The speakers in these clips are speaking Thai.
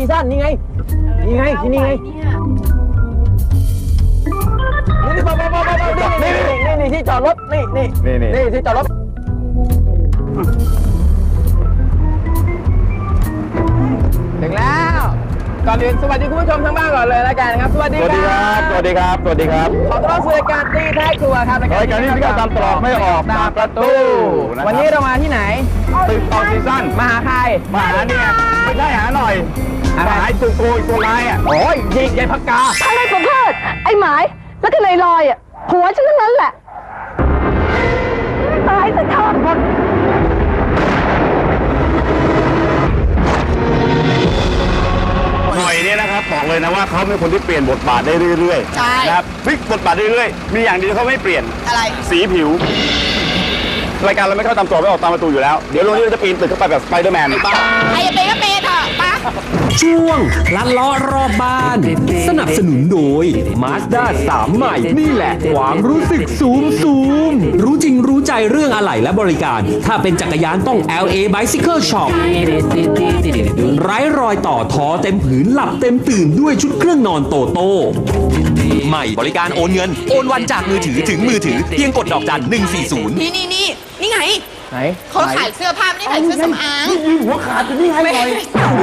ซั่นนี่ไงนี่ไงที่นี่ไงนี่ที่จอดรถนี่ที่จอดรถถึงแล้วก่อนอื่นสวัสดีคุณผู้ชมทั้งบ้านก่อนเลยแล้วกันครับสวัสดีครับสวัสดีครับสวัสดีครับขอต้อนรับสู่รายการตีท้ายครัวครับรายการที่พี่ก็ตามตรอกไม่ออกตามประตูวันนี้เรามาที่ไหนตึกออกซีซั่นมาหาใครมาหาเนี่ยไม่ใช่หาหน่อยหาจุกโกยตัวร้ายอ่ะโอ้ยยิงยายพักกาอะไรของเพิดไอ้หมายแล้วก็นายลอยอ่ะผัวฉันทั้งนั้นแหละตายซะเถอะหน่อยเนี่ยนะครับบอกเลยนะว่าเขาเป็นคนที่เปลี่ยนบทบาทได้เรื่อยๆนะครับพลิกบทบาทเรื่อยๆมีอย่างเดียวเขาไม่เปลี่ยนอะไรสีผิวรายการเราไม่เข้าตามตัวไม่ออกตามประตูอยู่แล้วเดี๋ยวลงนี้เราจะปีนตึกเข้าไปแบบสไปเดอร์แมนใครจะเป็นก็เป็นเถอะปะช่วงลัดล้อรอบบ้านสนับสนุนโดย Mazda 3 ใหม่นี่แหละความรู้สึกซูมรู้จริงรู้ใจเรื่องอะไหล่และบริการถ้าเป็นจักรยานต้อง LA Bicycle Shop ไร้รอยต่อท้อเต็มผืนหลับเต็มตื่นด้วยชุดเครื่องนอนโตโต้ใหม่บริการโอนเงินโอนวันจากมือถือถึงมือถือเพียงกดดอกจัน 140 นี่ไงไหนเขาขายเสื้อผ้าไม่ได้ขายเสื้อสำอางนี่หัวขาดอยู่นี่ไงหน่อย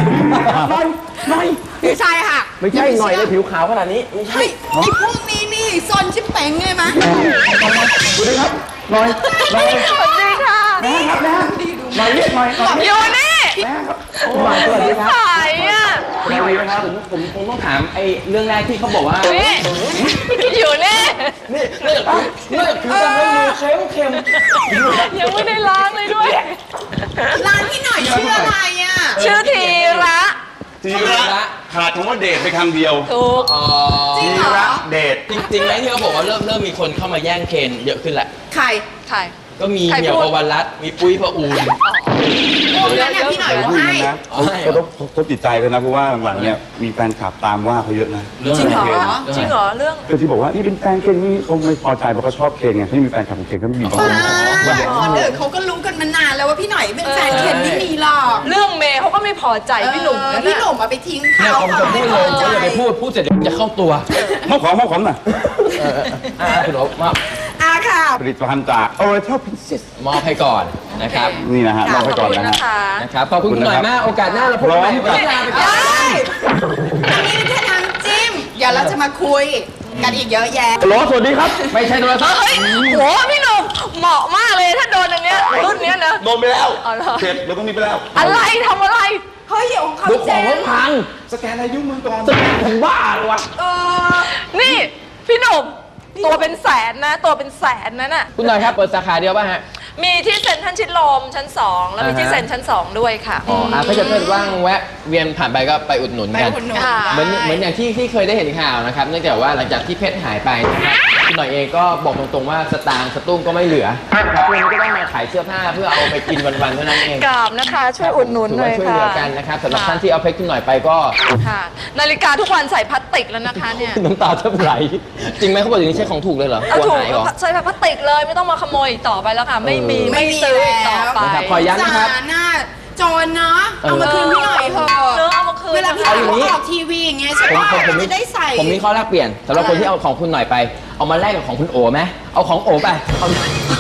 ไม่ใช่ค่ะไม่ใช่หน่อยเลยผิวขาวขนาดนี้ไม่ใช่ไอ้พวกนี้นี่ซนชิบเป๋งไงมั้ยสวัสดีครับหน่อยสวัสดีค่ะครับนะหน่อยเรียกหน่อยอยู่นี่สวัสดีครับขายอ่ะสวัสดีครับผมคงต้องถามไอ้เรื่องแรกที่เขาบอกว่าอยู่นี่คือจะไม่มือเค็มยังไม่ได้ล้างเลยด้วยล้างที่หน่อยชื่ออะไรอ่ะชื่อทีระขาดคำว่าเดทไปคำเดียวถูกทีระเดทจริงไหมที่เขาบอกว่าเริ่มมีคนเข้ามาแย่งเคนเยอะขึ้นแหละใครก็มีเหมียวประวันรัตน์มีปุ้ยพระอูนแล้วเนี่ยพี่หน่อยเขาให้เขาต้องทบจิตใจเลยนะเพราะว่าหลังๆเนี่ยมีแฟนคลับตามว่าเขาเยอะนะจริงเหรอเรื่องคือที่บอกว่านี่เป็นแฟนเคนนี่คงไม่พอใจเพราะเขาชอบเคนไงที่มีแฟนคลับของเคนก็ไม่มีคนเขาก็รู้กันมานานแล้วว่าพี่หน่อยเป็นแฟนเคนไม่มีหรอกเรื่องเมย์เขาก็ไม่พอใจพี่หนุ่มมาไปทิ้งเขาจะพูดเลยเขาจะไปพูดเสร็จเดี๋ยวจะเข้าตัวมอบของหน่อยคุณโอ๊คค่ะผลิตภัณฑ์จาก Oriental Princess มอบให้ก่อนนะครับนี่นะฮะมอบให้ก่อนนะครับขอบคุณหน่อยมากโอกาสหน้าเราพบกันใหม่ไม่ลาไปก่อนอันนี้แค่น้ำจิ้มเดี๋ยวเราจะมาคุยกันอีกเยอะแยะสวัสดีครับไม่ใช่โทรศัพท์โหพี่หนุ่มเหมาะมากเลยถ้าโดนอย่างเนี้ยรุ่นเนี้ยนะโดนไปแล้วเสร็จเราต้องมีไปแล้วอะไรทำอะไรเฮ้ยของเขาดูของเขาพังสแกนอายุมือก่อนผมบ้าเลยวะนี่พี่หนุ่มตัวเป็นแสนนะตัวเป็นแสนนั่นน่ะคุณหน่อยครับเปิดสาขาเดียวป่ะฮะมีที่เซ็นทรัลชิดลมชั้น2แล้วมีที่เซ็นชั้น2ด้วยค่ะถ้าเกิดว่างแวะเวียนผ่านไปก็ไปอุดหนุนกันเหมือนอย่างที่เคยได้เห็นข่าวนะครับเนื่องจากว่าหลังจากที่เพชรหายไปนะครับคุณหน่อยเองก็บอกตรงๆว่าสตางค์สตุ้งก็ไม่เหลือครับเพื่อนก็ต้องมาขายเสื้อผ้าเพื่อเอาไปกินวันๆเท่านั้นเองกราบนะคะช่วยอุดหนุนเลยค่ะช่วยเหลือกันนะครับสำหรับท่านที่เอาเพชรคุณหน่อยไปก็ค่ะนาฬิกาทุกวันใส่พลาสติกแล้วนะคะเนี่ยน้ำตาแทบไหลจริงไหมเขาบอกอย่างนี้ใช่ของถูกเลยเหรอกลัวหายเหรอใส่พลาสติกเลยไม่ต้องมาขโมยต่อไปแล้วค่ะไม่ซื้อต่อไปขอย้ำนะครับโจรเนาะเอามาคืนพี่หน่อยเถอะเอามาคืนเวลาพี่หน่อยเขาออกทีวีอย่างเงี้ยใช่ไหมผมจะได้ใส่ผมมีข้อแลกเปลี่ยนสำหรับคนที่เอาของคุณหน่อยไปเอามาแลกกับของคุณโอไหมเอาของโอไปเอา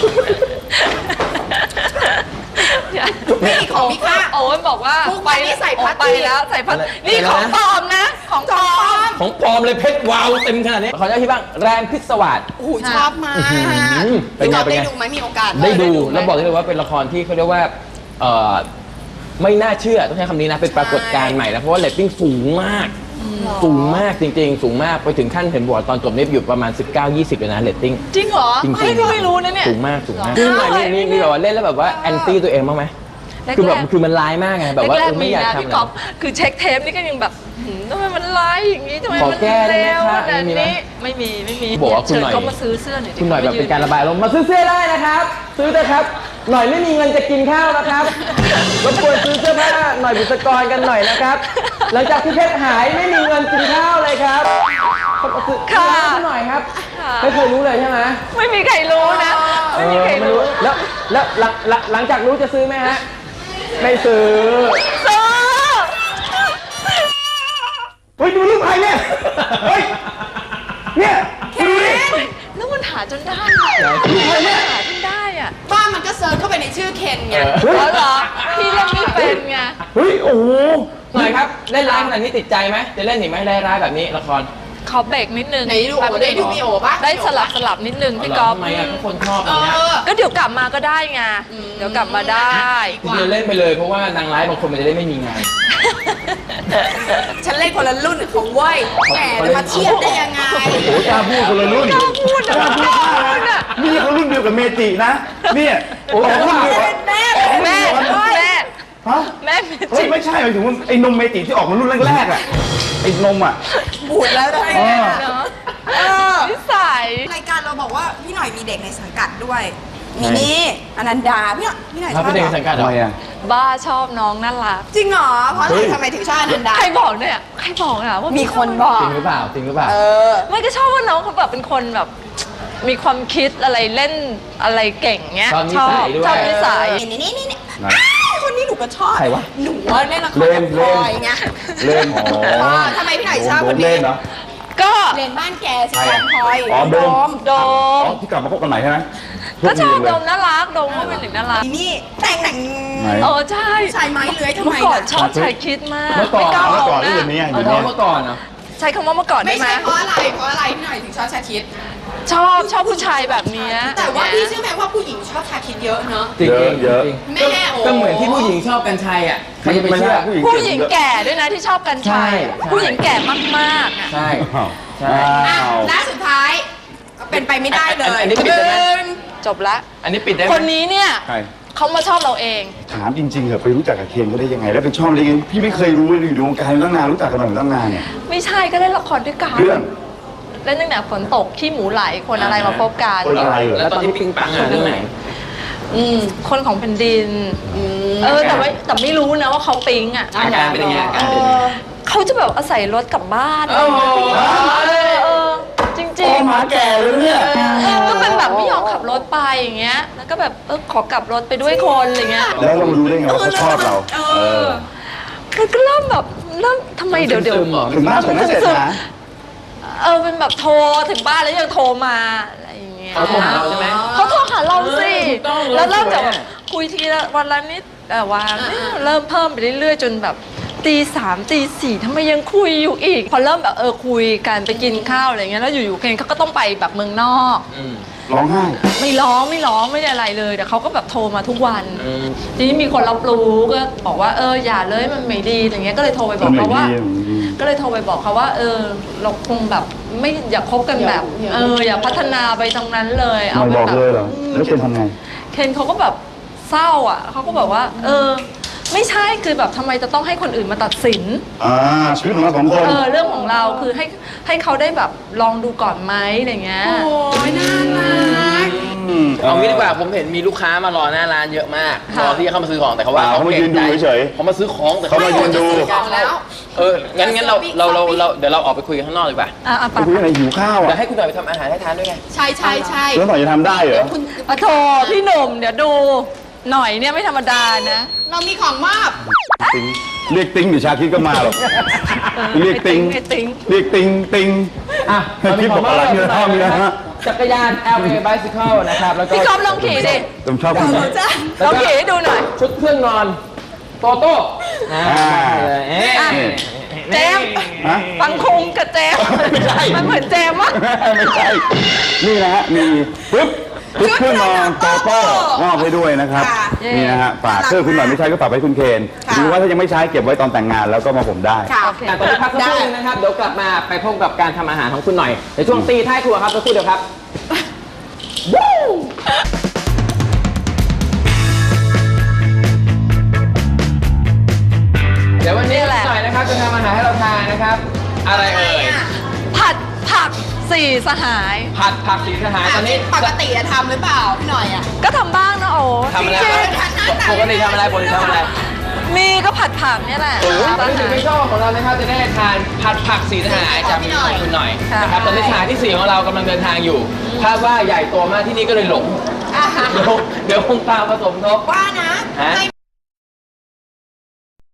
นี่ของพี่ค่ะโอ้ยบอกว่าไปใส่พัดไปแล้วใส่พัดนี่ของปลอมนะของปลอมของปลอมเลยเพชรวาวเต็มขนาดนี้ขออนุญาตพี่บ้างแรงพิศวาสโอ้โหชอบมากพี่ก๊อฟได้ดูไหมมีโอกาสได้ดูแล้วบอกได้เลยว่าเป็นละครที่เขาเรียกว่าไม่น่าเชื่อต้องใช้คำนี้นะเป็นปรากฏการณ์ใหม่แล้วเพราะว่าเรตติ้งสูงมากจริงๆสูงมากไปถึงขั้นเห็นบอกตอนจบนี่อยู่ประมาณ 19-20เลยนะเรตติ้งจริงเหรอไม่รู้นะเนี่ยสูงมากนี่หน่อยนี่แบบว่าเล่นแล้วแบบว่าแอนตี้ตัวเองบ้างไหมคือมันร้ายมากไงแบบว่าไม่อยากทำอะไรคือเช็คเทปนี่ก็ยังแบบทำไมมันร้ายอย่างนี้ทำไมมันเร็วขนาดนี้ไม่มีบอกว่าคุณหน่อยเขามาซื้อเสื้อหน่อยคุณหน่อยแบบเป็นการระบายลมมาซื้อเสื้อได้นะครับซื้อเถอะครับหน่อยไม่มีเงินจะกินข้าวนะครับรบกวนซื้อเสื้อผ้าหน่อยบุษกรกันหน่อยนะครับหลังจากที่เพชรหายไม่มีเงินกินข้าวเลยครับซื้อหน่อยครับไม่เคยรู้เลยใช่ไหมไม่มีใครรู้นะไม่มีใครรู้แล้วหลังจากรู้จะซื้อไหมฮะไม่ซื้อเฮ้ยดูรูปใครเนี่ยเฮ้ยเนี่ยดูดิแล้วมันหาจนได้อะหาจนได้อะบ้านมันก็เซิร์ชเข้าไปในชื่อเคนไงแล้วเหรอพี่เล่นไม่เป็นไงเฮ้ยโอ้โหหน่อยครับเล่นร้ายขนาดนี้ติดใจไหมจะเล่นอีกไหมร้ายๆแบบนี้ละครขอเบรกนิดนึงไหนดูโอได้ดูมีโอป่ะได้สลับนิดนึงพี่ก๊อฟทำไมอ่ะทุกคนชอบอย่างเงี้ยก็เดี๋ยวกลับมาก็ได้ไงเดี๋ยวกลับมาได้คือเล่นไปเลยเพราะว่านางร้ายบางคนมันจะได้ไม่มีงานฉันเล่นคนละรุ่นของเว้ยแหมจะมาเทียบได้ยังไงโอ้โหกล้าพูดคนละรุ่นกล้าพูดนะกล้าพูดมากนี่เขารุ่นเดียวกับเมจินะเนี่ยโอ้โหรุ่นเดียวกับแม่แม่ฮะแม่เมเฮ้จิยไม่ใช่หมายถึงว่าไอ้นมเมจิที่ออกมารุ่นแรกๆอ่ะไอ้นมอ่ะบูดแล้วได้เนาะนิสัยรายการเราบอกว่าพี่หน่อยมีเด็กในสังกัดด้วยมีนี่อนันดาพี่หน่อยชเราอบเป็นเด็กสังกัดเหรทำอไมอ่ะบ้าชอบน้องน่ารักจริงเหรอเพราะอะไรทำไมถึงชอบอนันดาใครบอกเนี่ยใครบอกอะว่ามีคนบอกจริงหรือเปล่าจริงหรือเปล่าเออไม่ก็ชอบว่าน้องเขาแบบเป็นคนแบบ มีความคิดอะไรเล่นอะไรเก่งเงี้ยชอบนิสัยด้วยชอบนิสัยนี่ไหนคนนี้หนูก็ชอบใครวะหนูว่าเล่นละครเล่นกับพลอยไงเล่นอ๋อทำไมพี่หน่อยชอบโดคนมนี้เล่นเหรอก็เรียนบ้านแกสิการพลอยอ๋อโดมโดอ๋มอที่กลับมาพบกันใหม่ใช่ไหมก็ชอบโดโดมน่ารักโดมก็เป็นเด็กน่ารักนี่แต่งหนังไหนเออใช่ชายไม้เลื้อยทำเมื่ไมอก่อนน่ะชอบชายคิดมากเมื่อก่อนไม่กล้าเมื่อมก่ออนงหนี่น้าเดี๋ยวนี้เอาเดี๋ยวท้องนี้เมื่อก่อนเหรอใช้คำว่าเมื่อก่อนไม่ได้ไหมใช่เพราะอะไรพี่หน่อยถึงชอบชาคิดชอบผู้ชายแบบเนี้ยแต่ว่าพี่เชื่อไหมว่าผู้หญิงชอบชาคิดเยอะเนอะจริงเยอะจริงแม่โอ้ก็เหมือนที่ผู้หญิงชอบกัญชัยอ่ะใครจะไปเชื่อผู้หญิงแก่ด้วยนะที่ชอบกันชัยใช่ใช่ผู้หญิงแก่มากๆอะใช่อ้าวใช่อ่ะอ้าวและสุดท้ายก็เป็นไปไม่ได้เลยอันนี้ปิดได้ไหมจบละอันนี้ปิดได้ไหมคนนี้เนี่ยใครเขามาชอบเราเองถามจริงๆเหรอไปรู้จักกับเคนเขาได้ยังไง แล้วเป็นชอบได้ยังไงพี่ไม่เคยรู้เลยอยู่ในวงการตั้งนานรู้จักกันมาตั้งนานเนี่ยไม่ใช่ก็เล่นละครด้วยกันเรื่องเล่นตั้งแต่ฝนตกขี้หมูไหลคนอะไรมาพบกันคนอะไรเหรอแล้วตอนที่ปิงปังอ่ะเรื่องไหนคนของแผ่นดินแต่ไม่รู้นะว่าเขาปิ๊งอ่ะอาการเป็นยังไงอาการเป็นยังไงเขาจะแบบอาศัยรถกลับบ้านโอ้โหจริงโอ้หมาแก่เลยเนี่ยก็เป็นแบบไม่ยอมขับรถไปอย่างเงี้ย แล้วก็แบบขอกลับรถไปด้วยคนอะไรเงี้ยแล้วเรารู้ได้ไงว่าเขาชอบเราอมันก็เริ่มแบบทำไมเดี๋ยวซึมๆเหรอถึงหน้าผมไม่เสร็จนะเป็นแบบโทรถึงบ้านแล้วยังโทรมาอะไรอย่างเงี้ยเขาโทรหาเราใช่ไหมเขาโทรหาเราสิถูกต้องแล้วเริ่มจากเราแบสวยบอะคุยทีละวันละนิดวันเริ่มเพิ่มไปเรื่อยๆ จนแบบตี 3ตี 4ทำไมยังคุยอยู่อีก พอเริ่มแบบคุยกันไปกินข้าวอะไรเงี้ยแล้วอยู่ๆเคนเขาก็ต้องไปแบบเมืองนอกร้องไห้ไม่ร้องไม่ได้อะไรเลยแต่เขาก็แบบโทรมาทุกวันอืมทีนี้มีคนรับรู้ก็บอกว่าอย่าเลยมันไม่ดีอย่างเงี้ยก็เลยโทรไปบอกเขาว่า ก็เลยโทรไปบอกเขาว่าเราคงแบบไม่อย่าคบกันแบบอย่าพัฒนาไปตรงนั้นเลยไม่เป็นบอกแบบเลยเหรอ แล้วเคนทำไงเคนเขาก็แบบเศร้าอ่ะเขาก็แบบว่าไม่ใช่คือแบบทำไมจะต้องให้คนอื่นมาตัดสินชีวิตของเราสองคนเรื่องของเราคือให้เขาได้แบบลองดูก่อนไหมอะไรเงี้ยโอ้ยน่ารักเอางี้ดีกว่าผมเห็นมีลูกค้ามารอหน้าร้านเยอะมากค่ะรอที่จะเข้ามาซื้อของแต่เขาว่าเขามายืนดูเฉยๆเขามาซื้อของแต่เขามายืนดูแล้วงั้นเราเดี๋ยวเราออกไปคุยกันข้างนอกดีกว่าไปไปคุยกันไหนหิวข้าวเดี๋ยอ่ะวให้คุณหน่อยไปทำอาหารให้ทานด้วยไงใช่แล้วหน่อยจะทำได้เหรอคุณโทรพี่หนุ่มเดี๋ยวดูหน่อยเนี่ยไม่ธรรมดานะเรามีของมอบเรียกติ้งหรือชาคิดก็มาหรอกเรียกติ้งไอ้ติ๊งเรียกติ้งติ้งอ่ะคิดบอกอะไรเนี่ยชอบมีนะฮะจักรยาน LA Bicycle นะครับแล้วก็พี่ก๊อฟลองขี่ดิผมชอบคุณลองขี่ให้ดูหน่อยชุดเครื่องนอนโตโต้เลยเอ๊ะเจมส์ฮะฟังคุงกับเจมส์ไม่ใช่มันเหมือนเจมส์อะไม่ใช่ นี่นะฮะ มีปึ๊บเครื่องนอนโตโต้มอบให้ด้วยนะครับ นี่นะฮะ ฝากเครื่องคุณหน่อยไม่ใช้ก็ฝากไว้คุณเคนหรือว่าถ้ายังไม่ใช้เก็บไว้ตอนแต่งงานแล้วก็มาผมได้ค่ะตอนนี้พักสักครู่นึงนะครับ เดี๋ยวกลับมาไปพบกับการทำอาหารของคุณหน่อยในช่วงตีท้ายครัวครับสักครู่เดียวครับ เดี๋ยววันนี้หน่อยนะครับจะทำอาหารให้เราทานนะครับ อะไรเอ่ยผัดผักสี่สหายผัดผักสีสหายตอนนี้ปกติจะทำหรือเปล่าพี่หน่อยอ่ะก็ทำบ้างนะโอ้ทำอะไรจริงปกติทำอะไรปกติทำอะไรๆมีก็ผัดผักเนี่ยแหละตอนนี้ถึงไม่ชอบของเรานะครับจะได้ทานผัดผักสีสหายจากคุณหน่อยนะครับตอนนี้สหายที่ 4 ของเรากำลังเดินทางอยู่คาดว่าใหญ่โตมากที่นี่ก็เลยหลง เดี๋ยวคงตามผสมทบว่านะฮะไม่